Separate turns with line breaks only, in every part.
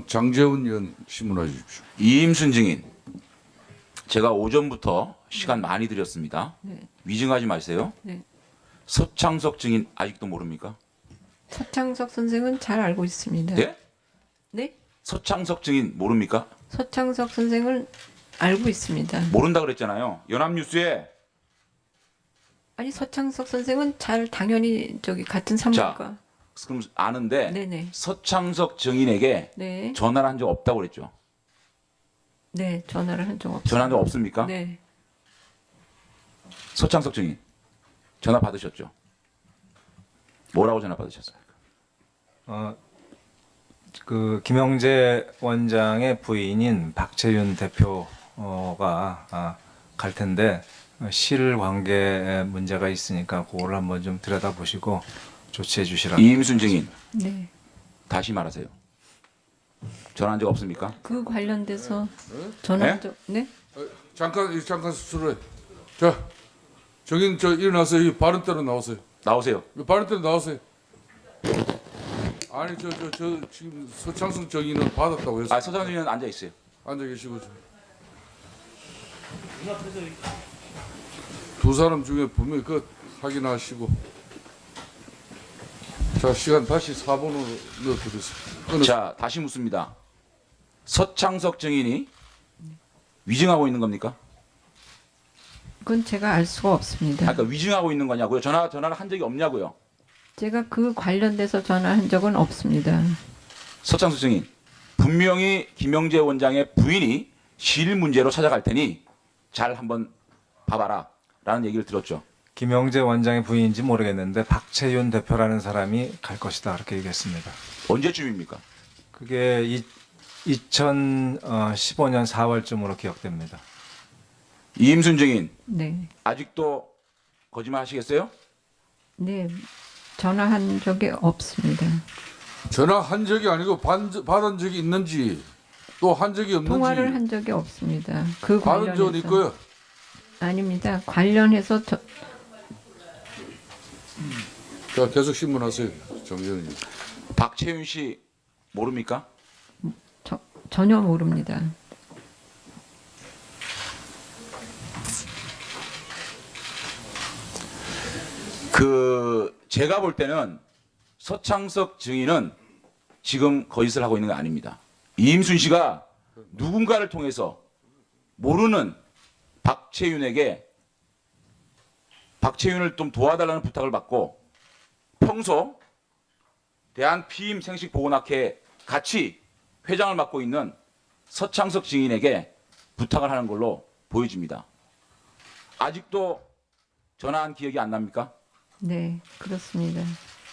민주당 장재훈 의원 신문해 주십시오.
이임순 증인, 제가 오전부터 시간 많이 드렸습니다.
네.
위증하지 마세요.
네.
서창석 증인 아직도 모릅니까?
서창석 선생은 잘 알고 있습니다.
네?
네?
서창석 증인 모릅니까?
서창석 선생은 알고 있습니다.
모른다 그랬잖아요. 연합뉴스에.
아니 서창석 선생은 잘 당연히 저기 같은 산부인과.
그럼 아는데
네네.
서창석 증인에게
네.
전화를 한 적 없다고 그랬죠.
네. 전화를 한 적 없습니다.
전화한 적 없습니까?
네.
서창석 증인 전화 받으셨죠? 뭐라고 전화 받으셨어요?
김영재 원장의 부인인 박채윤 대표가 갈 텐데 실관계에 문제가 있으니까 그걸 한번 좀 들여다보시고 조치해 주시라.
이임순 증인
네.
다시 말하세요. 전화한 적 없습니까?
그 관련돼서 전화한 적 네?
잠깐 수술해. 자, 정인 저 일어나서 이 바른 대로 나오세요.
나오세요.
바른 대로 나오세요. 아니 저 지금 서창석 정인은 받았다고 해서
서창석 증인은 앉아 있어요.
앉아 계시고 두 사람 중에 분명히 그 확인하시고. 자, 시간 다시 4번으로 넣어드리겠습니다.
자, 다시 묻습니다. 서창석 증인이 위증하고 있는 겁니까?
그건 제가 알 수가 없습니다.
아까 위증하고 있는 거냐고요? 전화를 한 적이 없냐고요?
제가 그 관련돼서 전화한 적은 없습니다.
서창석 증인, 분명히 김영재 원장의 부인이 실 문제로 찾아갈 테니 잘 한번 봐봐라 라는 얘기를 들었죠.
김영재 원장의 부인인지 모르겠는데 박채윤 대표라는 사람이 갈 것이다 그렇게 얘기했습니다.
언제쯤입니까?
그게 2015년 4월쯤으로 기억됩니다.
이임순 증인,
네.
아직도 거짓말 하시겠어요?
네. 전화한 적이 없습니다.
전화한 적이 아니고 받은 적이 있는지 또 한 적이 없는지
통화를 한 적이 없습니다. 그
받은
관련해서
적은 있고요.
아닙니다. 관련해서
자, 계속 신문하세요. 정재훈님.
박채윤 씨 모릅니까?
전혀 모릅니다.
제가 볼 때는 서창석 증인은 지금 거짓을 하고 있는 거 아닙니다. 이임순 씨가 누군가를 통해서 모르는 박채윤을 좀 도와달라는 부탁을 받고 평소 대한피임생식보건학회 같이 회장을 맡고 있는 서창석 증인에게 부탁을 하는 걸로 보여집니다. 아직도 전화한 기억이 안 납니까?
네, 그렇습니다.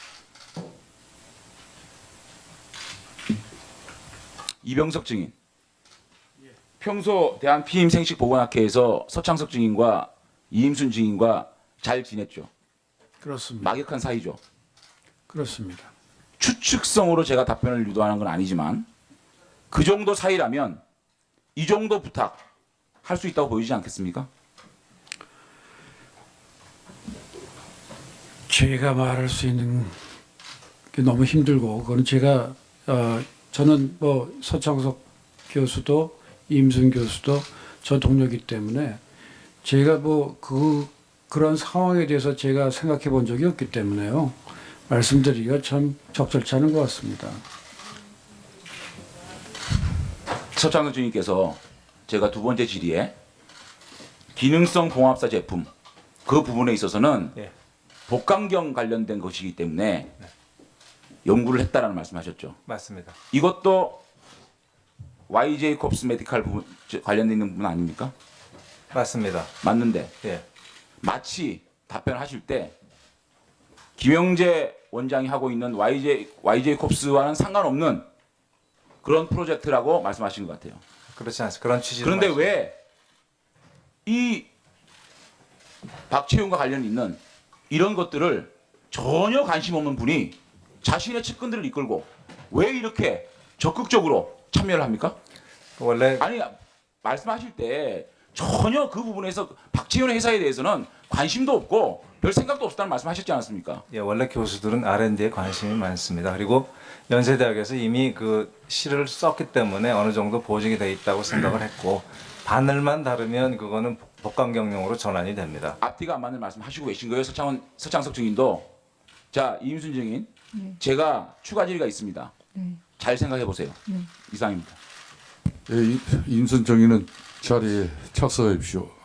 이병석 증인, 평소 대한피임생식보건학회에서 서창석 증인과 이임순 증인과 잘 지냈죠?
그렇습니다.
막역한 사이죠?
그렇습니다.
추측성으로 제가 답변을 유도하는 건 아니지만 그 정도 사이라면 이 정도 부탁 할 수 있다고 보이지 않겠습니까?
제가 말할 수 있는 게 너무 힘들고 그건 제가 저는 뭐 서창석 교수도 임순 교수도 저 동료이기 때문에 제가 뭐 그런 상황에 대해서 제가 생각해 본 적이 없기 때문에요. 말씀드리기가 참 적절치 않은 것 같습니다.
서창석 증인께서 제가 두 번째 질의에 기능성 봉합사 제품 그 부분에 있어서는
예.
복강경 관련된 것이기 때문에 연구를 했다라는 말씀하셨죠.
맞습니다.
이것도 YJ 콥스 메디칼 부분 관련돼 있는 부분 아닙니까?
맞습니다.
맞는데
예.
마치 답변하실 때 김영재 원장이 하고 있는 YJ 콥스와는 상관없는 그런 프로젝트라고 말씀하신 것 같아요.
그렇지 않습니다. 그런 취지로.
그런데 왜 이 박채윤과 관련 있는 이런 것들을 전혀 관심 없는 분이 자신의 측근들을 이끌고 왜 이렇게 적극적으로 참여를 합니까?
원래
아니 말씀하실 때 전혀 그 부분에서 박채윤 회사에 대해서는 관심도 없고 별 생각도 없었다는 말씀하셨지 않았습니까?
예, 원래 교수들은 R&D에 관심이 많습니다. 그리고 연세대학에서 이미 그 시를 썼기 때문에 어느 정도 보증이 돼 있다고 생각을 했고 바늘만 다르면 그거는 복강경용으로 전환이 됩니다.
앞뒤가 안 맞는 말씀하시고 계신 거예요, 서창석 증인도. 자, 이임순 증인,
네.
제가 추가 질의가 있습니다.
네.
잘 생각해 보세요.
네.
이상입니다.
예, 임순 정의는 자리에 착석해 주십시오.